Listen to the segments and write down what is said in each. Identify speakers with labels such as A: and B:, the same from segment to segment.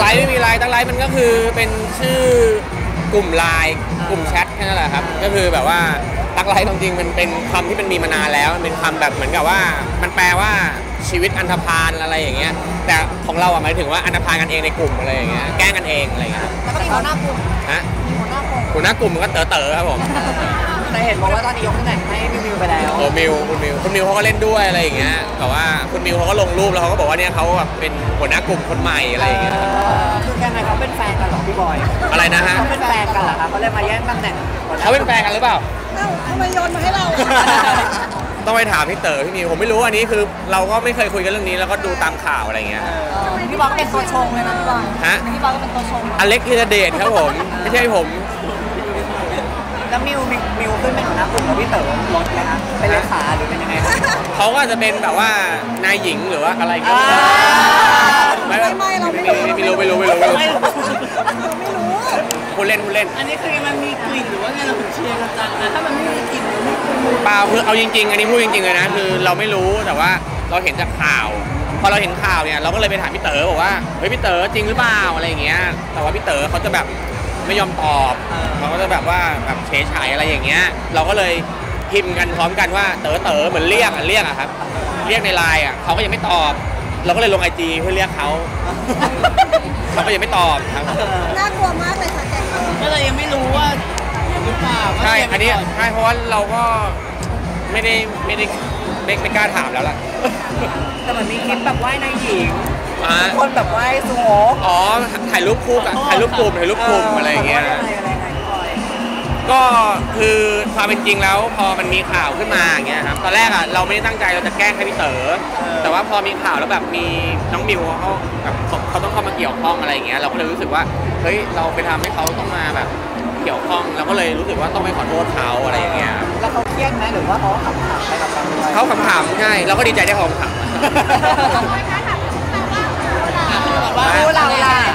A: ลน์ไม่มีไลน์ตั้งไลน์มันก็คือเป็นชื่อกลุ่มไลน์กลุ่มแชทแค่นั้นแหละครับก็คือแบบว่าตักไลน์จริงๆมันเป็นคำที่มันมีมานานแล้วมันเป็นคำแบบเหมือนกับว่ามันแปลว่าชีวิตอันธพาลอะไรอย่างเงี้ยแต่ของเราหมายถึงว่าอันธพาลกันเองในกลุ่มอะไรอย่างเงี้ยแกล้งกันเองอะไรอย่างเงี้ย
B: แล้วก็มีหัวหน้ากลุ่ม
A: ฮะหัวหน้ากลุ่มมันก็เต๋อครับผม
B: แต่เห็นบอกว่าตอนนี้ยกตำแหน่งให้มิวไปแล้ว
A: โอ้คุณมิวเขาก็เล่นด้วยอะไรอย่างเงี้ยแต่ว่าคุณมิวเขาก็ลงรูปแล้วเขาก็บอกว่าเนี่ยเขาแบบเป็นหัวหน้ากลุ่มคนใหม่อะไรอย่างเงี้ย
B: คือแกไงเขาเป็นแฟนกันหรอพี่บอย
A: อะไรนะฮะ
B: เขาเป็นแฟนกันเหรอครับเขาเลยมาแย่งตำแหน่ง
A: เขาเป็นแฟนกันหรือเปล่า
B: ทำไมโยนมาให้เรา
A: ต้องไปถามพี่เต๋อพี่มิวผมไม่รู้อันนี้คือเราก็ไม่เคยคุยกันเรื่องนี้แล้วก็ดูตามข่าวอะไรเงี้ย
B: พี่บอยเป็นตัวชงเลยนะพี่บอย
A: ฮะ
B: พี่บอยก็เป็นตัวชง
A: อเล็กธีรเดชครับผมไม่ใช่ผม
B: แล้วมิวขึ้นเป็นหัวหน้ากลุ่มกับพี่เต๋อลดไหมคะเป็นเลขาหรือเป็นยังไง
A: เขาก็จะเป็นแบบว่านายหญิงหรือว่าอะไรก็
B: ไม่เราไม่รู้
A: คุณเล่น
B: อันนี้คือมันมีกลิ่นหรือว่าไงเราถึงเชียร์กันจังนะถ้ามันไม่มีกลิ่น
A: เปล่าคือเอาจริงๆอันนี้พูดจริงๆเลยนะคือเราไม่รู้แต่ว่าเราเห็นจากข่าวพอเราเห็นข่าวเนี่ยเราก็เลยไปถามพี่เต๋อบอกว่าเฮ้ยพี่เต๋อจริงหรือเปล่าอะไรอย่างเงี้ยแต่ว่าพี่เต๋อเขาจะแบบไม่ยอมตอบเขาก็จะแบบว่าแบบเฉยๆอะไรอย่างเงี้ยเราก็เลยพิมพ์กันพร้อมกันว่าเต๋อเหมือนเรียกอะครับเรียกในไลน์เขาก็ยังไม่ตอบเราก็เลยลง IG เพื่อเรียกเขาก็ยังไม่ตอบครับ
B: น่ากลัวมากเลยค่ะแกก็เลยยังไม่รู้ว่าหรือเปล่า
A: ใช่อันนี้ใช่เพราะว่าเราก็ไม่กล้าถามแล้วล่ะ
B: แต่มันมีคลิปแบบว่ายนายหญิงคนแบบว่ายสูง
A: อ๋อถ่ายรูปคู่กับถ่ายรูปกลุ่มอะไรอย่างเงี้ยก็คือความเป็นจริงแล้วพอมันมีข่าวขึ้นมาอย่างเงี้ยครับตอนแรกเราไม่ได้ตั้งใจเราจะแกล้งให้พี่เต๋อแต่ว่าพอมีข่าวแล้วแบบมีน้องมิวเขาต้องเข้ามาเกี่ยวข้องอะไรอย่างเงี้ยเราก็เลยรู้สึกว่าเฮ้ยเราไปทำให้เขาต้องมาแบบเกี่ยวข้องเราก็เลยรู้สึกว่าต้องไปขอโทษเขาอะไรอย่างเงี้ย
B: แล้วเขาเครียดไหมหรือว่าเขาขำๆไปกับเราด้วย
A: เขาขำๆง่ายเราก็ดีใจได้เขาขำ
B: คู่เราล่ะ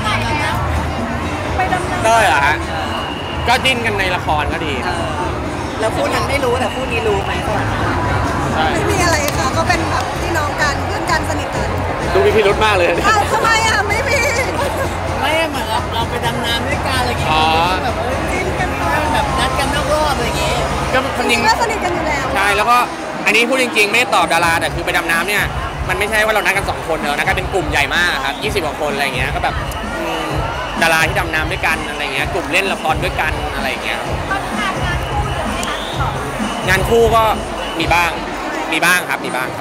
A: ได้เหรอฮะก็ดิ้นกันในละครก็ดี
B: แล้วคู่นั้นไม่รู้แต่คู่นี้รู้ไหม
C: ไม่มีอะไรค่ะก็เป็นแบบพี่น้องกันเพื่อนกันสนิทกัน
A: ดูมีพิรุธมากเลย
C: ทำไมไม่มี
B: ไม่เหมือนเราไปดำน้ำด้วยกันอะไรอย่างเงี้ยแบบจิ้นกันแบบนัดกันนอกรอบอะไรอย่างเงี้ย
A: ก็จริง
C: ก็สนิทกันอยู่แล้ว
A: ใช่แล้วก็อันนี้พูดจริงๆไม่ได้ตอบดาราแต่คือไปดำน้ำเนี่ยมันไม่ใช่ว่าเรานัดกัน2 คนเนอะนัดกันเป็นกลุ่มใหญ่มากครับ20 กว่าคนอะไรเงี้ยก็แบบดาราที่ดำน้ำด้วยกันอะไรเงี้ยกลุ่มเล่นละครด้วยกันอะไรเงี้ยงานคู่ก็มีบ้างครับมีบ้าง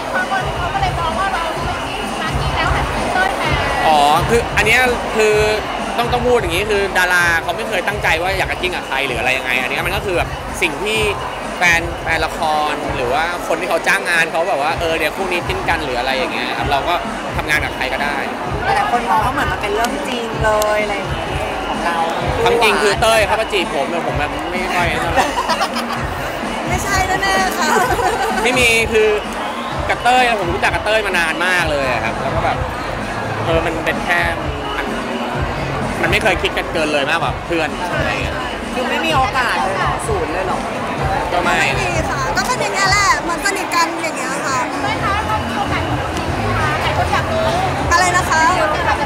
A: อ๋อคืออันนี้คือต้องพูดอย่างนี้คือดาราเขาไม่เคยตั้งใจว่าอยากจะจิ้งกับใครหรืออะไรยังไงอันนี้มันก็คือแบบสิ่งที่แฟนละครหรือว่าคนที่เขาจ้างงานเขาแบบว่าเดี๋ยวคู่นี้จิ้นกันหรืออะไรอย่างเงี้ยครับเราก็ทำงานกับใครก็ได้
B: แต่คนมองว่าเหมือนมันเป็นเรื่องจริงเลยอะไรอย่างเงี้ยของเรา
A: ความจริงคือเต้ยเขามาจีบผมแต่ผมแบบไม่ค่อย
C: ไม่ใช่แน่ๆค่ะ
A: ไม่มีคือกับเต้ยผมรู้จักกับเต้ยมานานมากเลยครับแล้วก็แบบมันเป็นแค่มันไม่เคยคิดกันเกินเลยมากกว่าเพื่อนอะไรเงี้ย
B: คือไม่มีโอกาสเลยหรอศูนย์เลยหรอ
A: ก็ไม่
C: มีค่ะก็เป็นอย่างเงี้ยแหละมันสนิทกันอย่างเงี้ยค่ะไม่คะเขามีโอกาสหลายคนอยากรู้อะไรนะคะ
A: มีโอกาส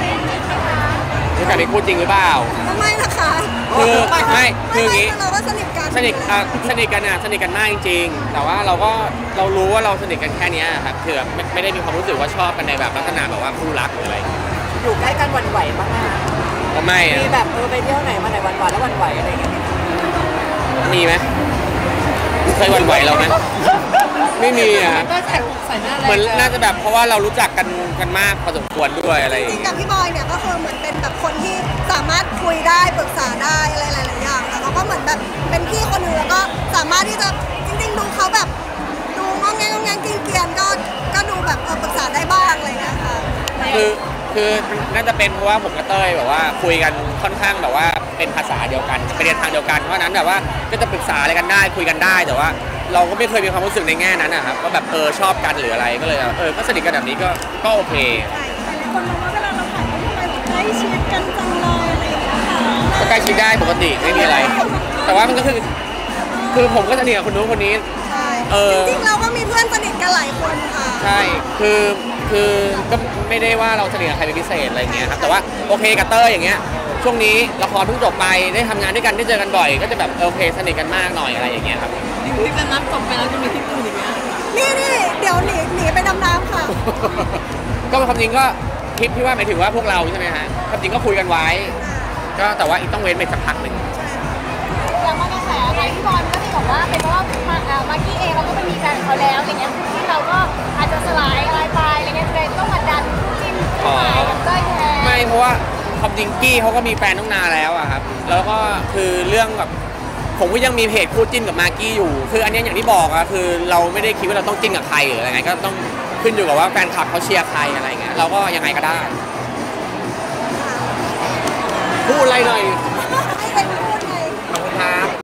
A: เป็นคู่จริงหรือเปล่า
C: ไม่นะคะ
A: คือไม่คืออย่างงี้
C: เราก็สนิทกัน
A: สนิทกันมากจริงๆแต่ว่าเรารู้ว่าเราสนิทกันแค่นี้ครับคือไม่ได้มีความรู้สึกว่าชอบกันในแบบลักษณะแบบว่าคู่รักหรืออะไร
B: อยู่ใกล้กันวันไหวบ้างไหม
A: ก็ไม่
B: มีแบบไปเที่ยวไหนมาไหนวันแล้ววันไหวอะไรอย่างเงี้ย
A: มีไหมเคยวันไหวเราไหมไม่มีเหมือนน่าจะแบบเพราะว่าเรารู้จักกันมากพอสมควรด้วยอะไร
C: จริงๆกับพี่บอยเนี่ยก็คือเหมือนเป็นแบบคนที่สามารถคุยได้ปรึกษาได้อะไรหลายๆอย่างแล้วเขาก็เหมือนแบบเป็นพี่คนหนึ่งแล้วก็สามารถที่จะจริงๆดูเขาแบบดูงงแงกินเกียนก็ดูแบบปรึกษาได้บ้างอะไรเงี้ยค่ะ
A: คือน่าจะเป็นเพราะว่าผมกับเต้ยแบบว่าคุยกันค่อนข้างแบบว่าเป็นภาษาเดียวกันไปเรียนทางเดียวกันเพราะนั้นแบบว่าก็จะปรึกษาอะไรกันได้คุยกันได้แต่ว่าเราก็ไม่เคยมีความรู้สึกในแง่นั้นนะครับว่าแบบชอบกันหรืออะไรก็เลยก็สนิทกันแบบนี้ก็โอเค
C: คนมองว่าเวลาเราถ่ายรูปไปแบบใกล้ชิดกันจังเลยอะไรอย่างเงี้ยค่ะ
A: ก็ใกล้ชิดได้ปกติไม่มีอะไรแต่ว่ามันก็คือผมก็สนิทกับคนนู้นคนนี้
C: ใช่จริงๆเราก็มีเพื่อนสนิทกันหลายคนค่ะ
A: ใช่คือก็ไม่ได้ว่าเราสนิทกับใครเป็นพิเศษอะไรเงี้ยครับแต่ว่าโอเคกับเต้ยอย่างเงี้ยช่วงนี้ละครเพิ่งจบไปได้ทำงานด้วยกันได้เจอกันบ่อยก็จะแบบโอเคสนิทกันมากหน่อยอะไรอย่างเงี้ยครับ
B: ที่เป็นน้ำตกไปแล้วจะมีที่อื่นอีกไหม
C: นี่เดี๋ยวหนีไปดำน้ำค่ะ
A: ก็ความจริงก็คลิปที่ว่าหมายถึงว่าพวกเราใช่ไหมฮะความจริงก็คุยกันไว้ ก็แต่ว่าอีกต้องเว้นไปสักพักหนึ่ง
D: อย่างมากระแสอะไรพี่บอลก็ที่บอกว่าเป็นเพราะว่ามากกี้เองเราก็ไปมีแฟนเขาแล้วอย่างเงี้ยที่เราก็อาจจะสลายอะไรไปอะไรเงี้ยเลยต้องมาดันคู่จิ้นคู่หมายกับเต้ยแทน
A: ไม่เพราะว่าความจริงกี้เขาก็มีแฟนตั้งนานแล้วอะครับแล้วก็คือเรื่องแบบผมก็ยังมีเพจคู่จิ้นกับมากกี้อยู่คืออันนี้อย่างที่บอกอะคือเราไม่ได้คิดว่าเราต้องจิ้นกับใครหรืออะไรไงก็ต้องขึ้นอยู่กับว่าแฟนคลับเขาเชียร์ใครอะไรเงี้ยเราก็ยังไงก็ได้พูดอะไรหน่อย